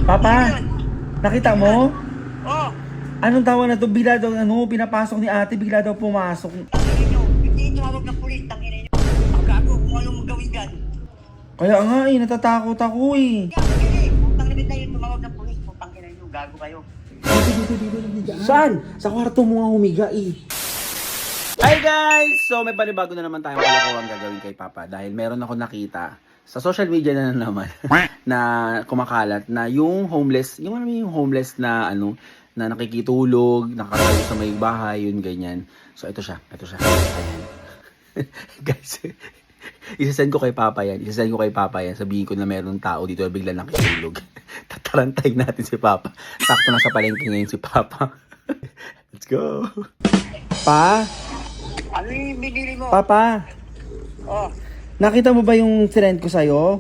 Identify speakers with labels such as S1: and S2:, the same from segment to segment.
S1: Papa, nakita mo?
S2: Oh,
S1: Anong tawag na to? Bigla daw, pinapasok ni ate, bigla daw pumasok.
S2: tangin nyo. Hindi tumawag ng pulis, tangin nyo. Ang gago, kung anong magawin dyan.
S1: Kaya nga natatakot ako eh.
S2: Gago yan eh. Kung tangin na yun, tumawag ng pulis. Kung tangin nyo, gago kayo.
S1: Dito. Saan? Sa kwarto mo nga humiga eh. Hi guys! So may panibago na naman tayong kalokohan gagawin kay Papa dahil meron ako nakita sa social media na naman na kumakalat na yung homeless, yung homeless na na nakikitulog, nakatayo sa may bahay, yun ganyan. So ito siya. Ayan. Guys, isasend ko kay Papa yan. Sabihin ko na meron tao dito na bigla nakitulog. Tatarantayin natin si Papa. Sakto na sa palengke ngayon si Papa. Let's go. Pa?
S2: Ano yung binili mo?
S1: Papa?
S2: Oh,
S1: Nakita mo ba yung sinend ko sa'yo?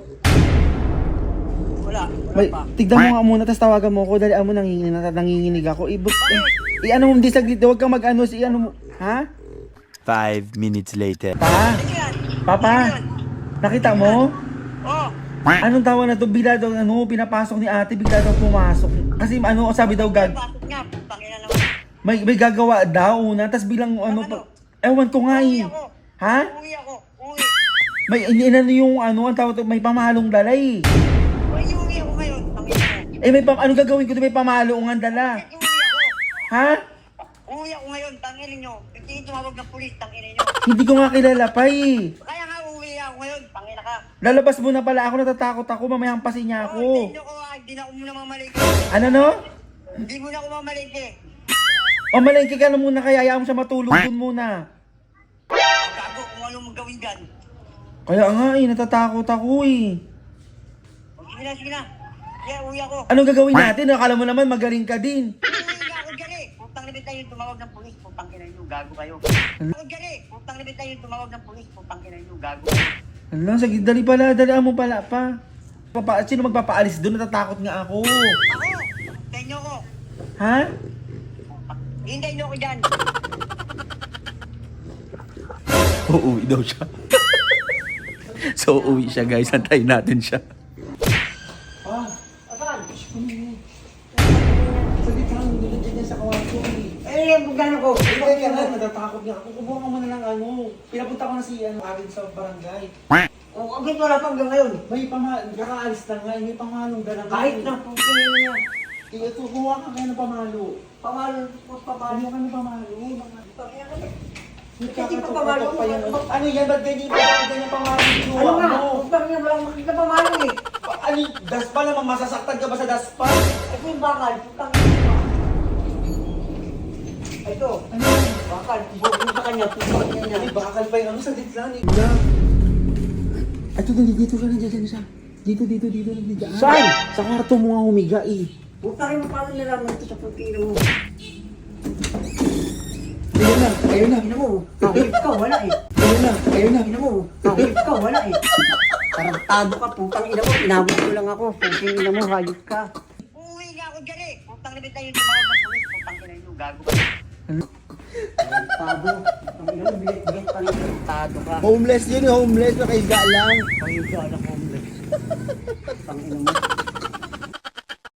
S2: wala pa.
S1: Tignan mo nga muna, tapos tawagan mo ako. Dali mo, nanginginig ako. I-ano mo, hindi saglit. Huwag kang mag-ano, i-ano mo. Ha?
S3: 5 minutes later.
S1: Pa?
S2: Ano yan?
S1: Papa? Nakita mo?
S2: Oh,
S1: Anong tawag na to? Bigla daw, pinapasok ni ate, bigla daw pumasok. Kasi sabi daw,
S2: pasok nga. Tangin na naman.
S1: may gagawa daw na, tapos bilang ewan ko nga
S2: Uwi
S1: eh.
S2: ako.
S1: Ha?
S2: Uwi ako. Uwi.
S1: May inano yung ang tawag to, may pamahalong dala eh.
S2: Uwi ako ngayon. Tangin mo.
S1: May ano gagawin ko to, may pamahalong dala.
S2: Uwi ako.
S1: Ha?
S2: Uwi ako ngayon. Tangin nyo. Hindi tumawag ng pulis. Tangin nyo.
S1: Hindi ko nga kilala pa eh.
S2: Kaya nga uwi ako ngayon. Tangin na ka.
S1: Lalabas mo na pala ako, natatakot ako, mamayang pasin niya
S2: Oh,
S1: ako.
S2: hindi na ako muna mamalike.
S1: Ano no?
S2: Hindi muna ako mamalike.
S1: O malengke ka na muna, kaya ayaw mo siya matulog dun muna.
S2: Gago, kung anong magawin dyan.
S1: Kaya nga natatakot ako eh.
S2: Sige na. Kaya uwi ako.
S1: Anong gagawin natin? Akala mo naman magaling ka din.
S2: Uwi nga ako dyan eh. Putang libit na yun, tumawag ng pulis. Putang ina nyo, gago kayo. Ako dyan eh. Putang libit na yun, tumawag ng pulis. Putang ina nyo, gago kayo.
S1: Ano, sige, dalaan mo pala pa. Sino magpapaalis doon? Natatakot nga ako.
S2: Ako, hintayin nyo ko.
S1: Ha?
S2: Hintayin nyo ko dyan.
S1: Uuwi daw siya. So, uuwi siya guys. Antayin natin siya.
S2: Asan?
S1: Saglit lang, nilagyan niya sa kawarto eh.
S2: Eh, bugano ko.
S1: Ikaw ka na, natatakot nga ako. Kumuha ka muna ng Pinapunta ko na si Arin sa barangay.
S2: O, agad wala pa hanggang ngayon.
S1: May kakaalis na nga, may pamalong dala nga.
S2: Kahit na, putang ina niya.
S1: Ito, kuha ka kaya ng pamalo.
S2: Pamalo.
S1: Kuha ka ng pamalo.
S2: Kasi pa pamalo.
S1: Ano yan? Ba't ganyan? Ba't ganyan pamalo?
S2: Ano nga? Putang ina, wala akong makikita pamalo eh.
S1: Ano? Daspa naman, masasaktan ka ba sa daspa?
S2: Ito yung bakal. Putang ina. Ito.
S1: Ano yan?
S2: Bakal. Bukod sa kanya. Putang ina
S1: Ay,
S2: niya.
S1: bakal pa yun. Saglit lang eh. Ito, dito ka na dyan siya. Dito, nandiyan. Saan? Sa kwarto mo nga humiga eh.
S2: Putang ina, paano nalaman ito sa pagkina mo?
S1: Ayun na.
S2: Ina mo, kahit ka, wala eh.
S1: Ayun na.
S2: Ina mo, kahit ka, wala eh. Tarantado ka, putang ina mo, pinabot ko lang ako. Putang ina mo, hayop ka. Uwi nga ako dyan eh. Putang libit na yun, tumawag ng pulis. Putang ina nyo, gago ka. Tarantado. Putang ina mo, bilit-bilit pa rin. Tarantado ka.
S1: Homeless yun, homeless. Nakahiga lang.
S2: Pangyo ka, anak homeless. Putang ina mo.